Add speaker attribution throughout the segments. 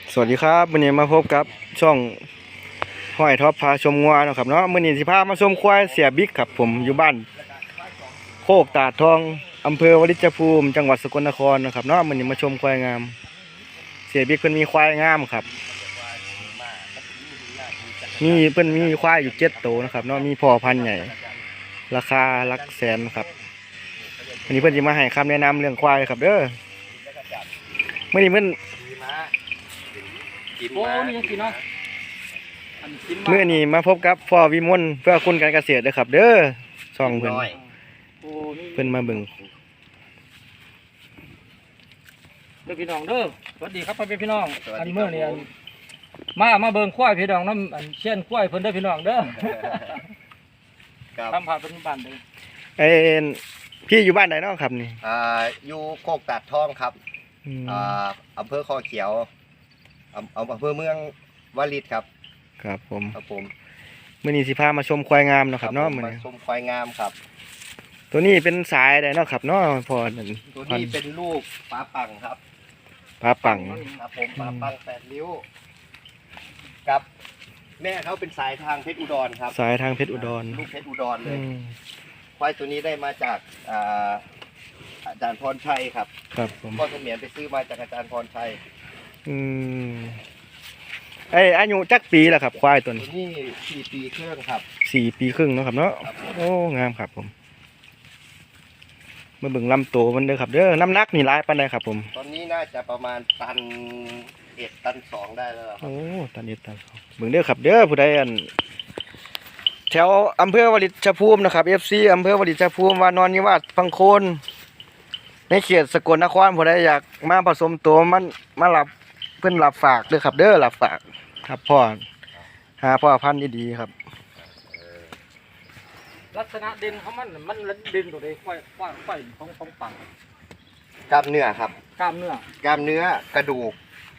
Speaker 1: สวัสดีครับวันนี้มาพบกับช่องห้อยท็อปพาชมงัวนะครับเนาะมื้อนี้สิพามาชมควายเสียบิ๊กครับผมอยู่บ้านโคกตาดทองอำเภอวลิจภูมิจังหวัดสกลนครนะครับเนาะมื้อนี้มาชมควายงามเสียบิ๊กเพิ่นมีควายงามครับเพิ่นมีควายอยู่7ตัวนะครับเนาะมีพ่อพันธุ์ใหญ่ราคาหลักแสนครับวันนี้เพิ่นสิมาให้คำแนะนำเรื่องควายครับเด้อมื้อนี้เพิ่น
Speaker 2: โอ้นี่ยังกินเนาะ
Speaker 1: เมื่อนี้มาพบกับพ่อวิมลเพื่อคุณการเกษตรนะครับเด้อช่องเพิ่นเพิ่นมาเบิ่ง
Speaker 2: เด้อพี่น้องเด้อสวัสดีครับพ่อพี่น้องอันเมื่อนี่มาเบิ่งควายพี่น้องน้ำอันเช่นควายเพิ่นเด้อพี่น้องเด้อทำผ่านเป็นบ้านเลย
Speaker 1: เอ้นพี่อยู่บ้านไหนเนาะครับนี่
Speaker 3: อยู่โคกตาดทองครับอำเภอคอเขียวอำเภอเมืองวาริดครับ
Speaker 1: ครับผม
Speaker 3: ครับผม
Speaker 1: มื้อนี้สิพามาชมควายงามเนาะครับเนาะมื้อ
Speaker 3: มา
Speaker 1: นี้
Speaker 3: ชมควายงามครับ
Speaker 1: ตัวนี้เป็นสายใดเนาะครับเนาะพ่อนั่น
Speaker 3: ตัวนี้เป็นลูกปลาปังครับ
Speaker 1: ปลาปัง
Speaker 3: ครับผมปลาปัง8 ริ้วกับแม่เขาเป็นสายทางเพชรอุดรครับ
Speaker 1: สายทางเพชรอุดร
Speaker 3: ลูกเพชรอุดรเลย
Speaker 1: อืม
Speaker 3: ควายตัวนี้ได้มาจากอาจารย์พรชัยครับ
Speaker 1: ครับผม
Speaker 3: พ่อเสมียนไปซื้อมาจากอาจารย์พรชัย
Speaker 1: อืมอายุจักปีแล้วครับควายตัว
Speaker 3: ตัว
Speaker 1: นี้
Speaker 3: นี้4 ปีเครื่องครับ
Speaker 1: 4 ปีครึ่งเนาะครับเนาะ
Speaker 3: ครับผม
Speaker 1: โอ้งามครับผมมาเบิ่งลำโตวมันเด้อครับเด้อน้ำหนักนี่หลายปานใดครับผม
Speaker 3: ตอนนี้น่าจะประมาณ1 ตัน 2ได้แล้วครับ
Speaker 1: โอ้ตันนี้ตันเบิ่งเด้อครับเด้อผู้ใดอันแถวอำเภอวลิจภูมินะครับ FC อำเภอวลิจภูมิวานอนนิวาสพังโคนในเขตสกลนครผู้ใดอยากมาผสมตัวมันมารับเพิ่นรับฝากเด้อครับเด้อรับฝากครับพ่อหาพ่อพันธุ์ดีๆครับ
Speaker 2: ลักษณะเด่นของมันเด่นตัวใดควายของปัง
Speaker 3: กล้ามเนื้อครับ
Speaker 2: กล้ามเนื้อก
Speaker 3: ล้ามเนื้อกระดูก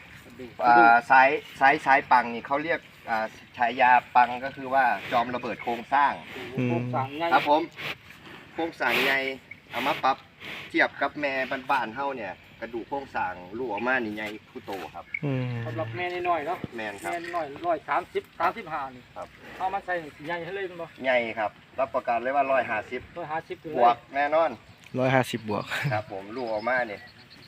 Speaker 3: สายปังนี่เขาเรียกฉายาปังก็คือว่าจอมระเบิดโครงสร้าง
Speaker 2: โครงสร้างใหญ่
Speaker 3: ครับผมโครงสร้างใหญ่เอามาปรับเทียบกับแม่บ้านๆเฮาเนี่ยกระดูกโครงสร้างลูกออกมานี่ใหญ่ผู้โตครับ
Speaker 2: สำหรับแม่น้อยเนาะ
Speaker 3: แม่นครั
Speaker 2: แม่
Speaker 3: บ
Speaker 2: น้อย135นี่
Speaker 3: ครับ
Speaker 2: เอามาใส่ใหญ่ให้เลยมันบ่
Speaker 3: ใหญ่ครับรับประกันเลยว่า150
Speaker 2: 150ถึง
Speaker 3: บวกแน่นอน
Speaker 1: 150 บวก
Speaker 3: ครับผมลูกออกมาเนี่ย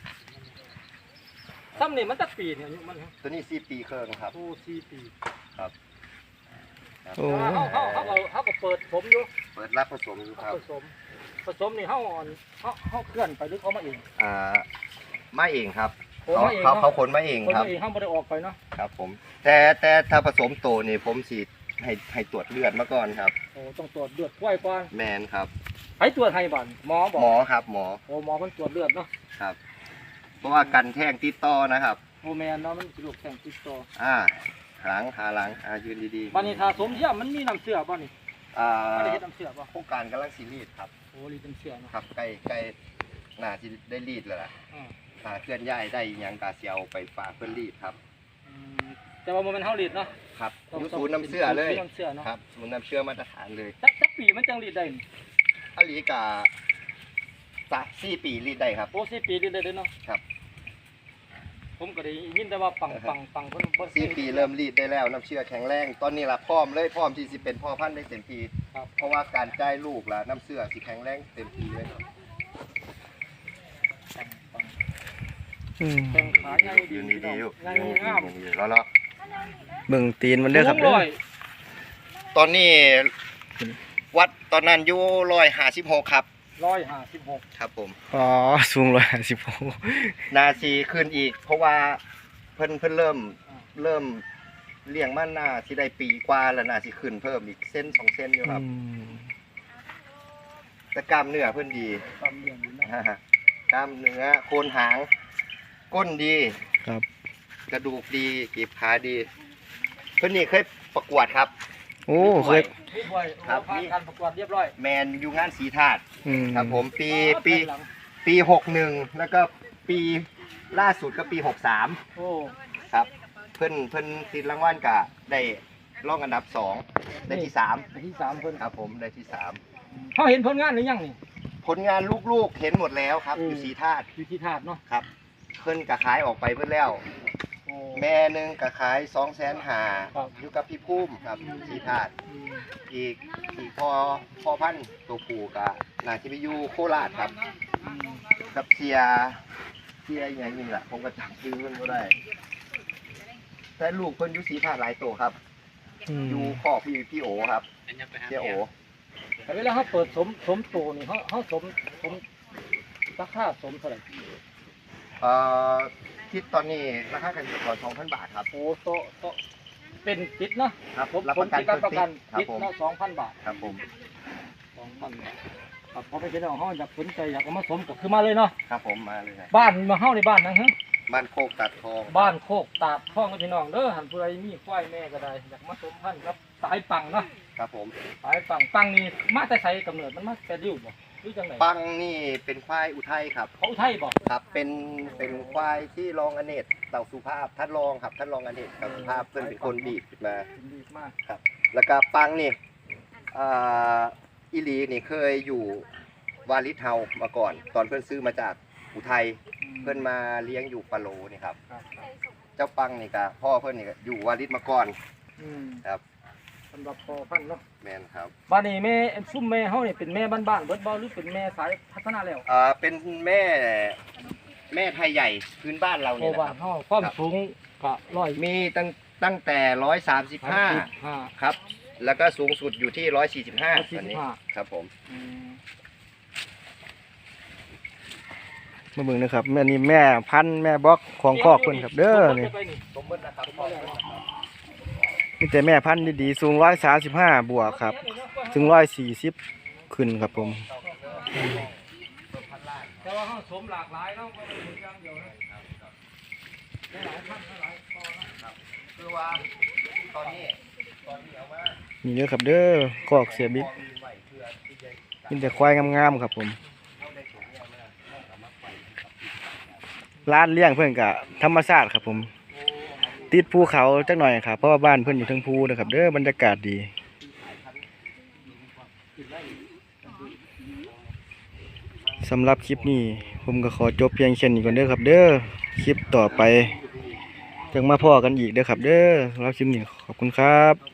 Speaker 2: ซ้ำนี่มันจักปีเนี่ยอายุมัน
Speaker 3: ตัวนี้4 ปีเครื่องครับ
Speaker 2: โอ้4 ปี
Speaker 3: ครับ
Speaker 1: โอ้
Speaker 2: เขาก็เปิดผมอยู่
Speaker 3: เปิดรับผสมอยู่ครับ
Speaker 2: ผสมนี่เขาเคลื่อนไปหรือเขามาเอง
Speaker 3: มาเองครับ
Speaker 2: โอ้มาเอง
Speaker 3: เขาขนมาเอง
Speaker 2: คน
Speaker 3: ครับ
Speaker 2: มาเองเขาไม่ได้ออกไปเนาะ
Speaker 3: ครับผมแต่ถ้าผสมโตนี่ผมสิให้ตรวจเลือดมาก่อนครับ
Speaker 2: โอ้ต้องตรวจเลือดกล้วยก่อน
Speaker 3: แมนครับ
Speaker 2: ให้ตรวจให้บ้านหมอบอก
Speaker 3: หมอครับหมอ
Speaker 2: โอ้หมอมันตรวจเลือดเนาะ
Speaker 3: ครับ เพราะว่ากันแท่งติดต่อนะครับ
Speaker 2: โอ้แมนเนาะมันสิลูกแข่งติดต่อ
Speaker 3: หลังหาหลังยืนดี
Speaker 2: บ้านนี้ถ้าสมเทียมมันมีน้ำเชื่อบ้านนี้
Speaker 3: ๆ
Speaker 2: ไม่ได้เฮ็ดน้ำเชื่อป่ะ
Speaker 3: โครงการกำลังซีรีส์ครับ
Speaker 2: โอ้รีดน้ำเชื่อเนาะ
Speaker 3: ครับใกล้น่าที่ได้รีดแล้วล่ะ
Speaker 2: อืม
Speaker 3: ถ้าเคลื่อนย้ายได้อิหยังกาเซียวไปฝากเพื่อนรีดครับ
Speaker 2: แต่ว่ามันเฮารีดเนาะ
Speaker 3: ครับอยู่ศูนย์น้ำเชื่อเลย
Speaker 2: น้ำเชื่อเนาะ
Speaker 3: ครับศูนย์น้ำเชื่อมาตรฐานเลย
Speaker 2: จักปีมันจังรีดได้นี่
Speaker 3: อลีกา4 ปีรีดได้ครับ
Speaker 2: โอ้4 ปีรีดได้เด้อเนาะ
Speaker 3: ครับ
Speaker 2: ผมก็ได้ยินแต่ว่าปังเพิ่นบ่
Speaker 3: 4 ปีเริ่มรีดได้แล้วน้ำเชื่อแข็งแรงตอนนี้ล่ะพร้อมที่สิเป็นพ่อพันธุ์ได้เต็มที
Speaker 2: ครับ
Speaker 3: เพราะว่าการจ่ายลูกล่ะน้ำเชื่อสิแข็งแรงเต็มทีเลย
Speaker 2: แข่งขาใหญ่ดี
Speaker 3: ยืนดีๆอยู่
Speaker 2: ใหญ่งาม
Speaker 3: แล้วเนาะ
Speaker 1: เบิ่งตีนมันเด้อครับ
Speaker 2: สู
Speaker 1: เด้
Speaker 2: ง
Speaker 1: อ
Speaker 2: ร้อย
Speaker 3: ตอนนี้วัดตอนนั้นอยู่156ครับ
Speaker 2: 156
Speaker 3: ครับผม
Speaker 1: อ๋อสูง156
Speaker 3: นาซีขึ้นอีก เพราะว่าเพิ่นเริ่มเลี้ยงมันน่าสิได้ปีกว่าแล้วน่าสิขึ้นเพิ่มอีกเส้น2 เส้นอยู่ครับ แต่กล้ามเนื้อเพิ่นดี
Speaker 2: ความเลี้ยงดีเนาะ
Speaker 3: กล้ามเนื้อโคนหางก้นดี
Speaker 1: ครับ
Speaker 3: กระดูกดีกีบขาดีเพิ่นนี่เคยประกวดครับ
Speaker 1: โอ้เคย
Speaker 2: รีบไว้ผ่านการประกวดเรียบร้อย
Speaker 3: แมนอยู่งานสีธาตุ ครับผมปี61แล้วก็ปีล่าสุดก็ปี63
Speaker 2: โอ้
Speaker 3: ครับเพิ่นติดรางวัลกะได้รองอันดับ2ได้ที่3
Speaker 2: ในที่3เพิ่น
Speaker 3: ครับผมได้ที่
Speaker 2: เขาเห็นผลงานหรือยังนี่
Speaker 3: 3ผลงานลูกๆเห็นหมดแล้วครับอยู่สีธาตุ
Speaker 2: อยู่ที่ธาตุเนาะ
Speaker 3: ครับเพิ่นกะขายออกไปเพิ่นแล้ว
Speaker 2: โอ้
Speaker 3: แม่หนึงก็ขาย250,000
Speaker 2: ครับ
Speaker 3: อยู่กับพี่ภูมิครับสีธาตุ
Speaker 2: อืม
Speaker 3: อีกพอพันธุ์ตัวผู้ก็น่าจะไปอยู่โคราชครับ
Speaker 2: อืม
Speaker 3: กับเสียอย่างนี้แหละผมก็จำชื่อเพิ่นบ่ได้แต่ลูกเพิ่นอยู่สีธาตุหลายตัวครับ อยู่ข้อพี่โอครับเสียโอ
Speaker 2: แต่เวลาเขาเปิดสมโตนี่เขาสมราคาสมเท่าไหร่
Speaker 3: เอ่อที่ตอนนี้ราคากันอยู่ก่อน 2,000 บาทครับ
Speaker 2: โอ้โตเป็นติดเนาะ
Speaker 3: ครับ
Speaker 2: ผม
Speaker 3: รับประกัน
Speaker 2: ติดรับประกัน
Speaker 3: ครับ
Speaker 2: ติด
Speaker 3: ผม
Speaker 2: เนาะ2,000 บาท
Speaker 3: ครับผม
Speaker 2: 2,000 บาทครับพอไปเป็นของเขาอยากสนใจอยากเอามาสมก็คือมาเลยเนาะ
Speaker 3: ครับผมมาเลยครับ
Speaker 2: บ้านมาเฮาในบ้านนะฮะ
Speaker 3: บ้านโคกตัดทอง
Speaker 2: บ้านโคกตาดท้องกับพี่น้องเด้อหันผู้ใดมีควายแม่ก็ได้อยากมาสมพันธุ์ครับสายปังเนาะ
Speaker 3: ครับผม
Speaker 2: สายปังนี่มาแต่ไสกำเนิดมันมาแต่ริ้วบ่หรือจังได
Speaker 3: ปังนี่เป็นควายอุทัยครับ
Speaker 2: เขาอุทัยบ่
Speaker 3: ครับเป็นควายที่รองอเนกเต่าสุภาพท่านรองครับท่านรองอเนกเต่าสุภาพเพื่อนเป็นคนบีบขึ้นมา
Speaker 2: ดีมาก
Speaker 3: ครับ แล้วก็ปังนี่อีหลีนี่เคยอยู่วาลิสเฮามาก่อน ตอนเพื่อนซื้อมาจากอุทัยเพื่อนมาเลี้ยงอยู่ปะโลนี่ครับ
Speaker 2: ครับ
Speaker 3: เจ้าปังนี่ก็พ่อเพื่อนนี่ก็อยู่วาลิสมาก่อน
Speaker 2: อืม
Speaker 3: ครับ
Speaker 2: สำหรับพอพันธุ์เนาะ
Speaker 3: แมนครับ
Speaker 2: บ้านนี้แม่ซุ่มแม่เฮานี่เป็นแม่บ้านๆเบิดบ่หรือเป็นแม่สายพัฒนาแล้ว
Speaker 3: เป็นแม่ไทยใหญ่พื้นบ้านเรา
Speaker 2: โอ้
Speaker 3: เนี่ยนะ
Speaker 2: บ้า
Speaker 3: คน รับ
Speaker 2: เฮาความสูงก็100
Speaker 3: มีตั้งแต่135ครับ แล้วก็สูงสุดอยู่ที่145ตอนนี้ครับผม
Speaker 2: อืม
Speaker 1: มาเบิ่งนะครับแม่นี่แม่พันธุ์แม่บล็อกของคอกเพิ่นครับเด้อนี่
Speaker 3: สมมตินะครับพ่อ
Speaker 1: มีแต่แม่พันธุ์ดีๆสูง135บวกครับถึง140ขึ้นครับผม
Speaker 2: แต่ว่าเฮาสมหลากหลายเนาะบ่ได้เป็นอย่างเดียวนะหลายพันธุ์หลายคอนะ
Speaker 3: คือว่าตอนนี้เอามา
Speaker 1: นี่เด้อครับเด้อคอกเสียบิ๊กมีแต่ควายงามๆครับผมร้านเลี้ยงเพิ่นก็ธรรมชาติครับผม ติดภูเขาจักหน่อยครับเพราะว่าบ้านเพิ่นอยู่เทั้งภูนะครับเด้อบรรยากาศดีสำหรับคลิปนี้ผมก็ขอจบเพียงแค่นี้ก่อนเด้อครับเด้อคลิปต่อไปจังมาพ้อกันอีกเด้อครับเด้อสำหรับคลิปนี้ขอบคุณครับ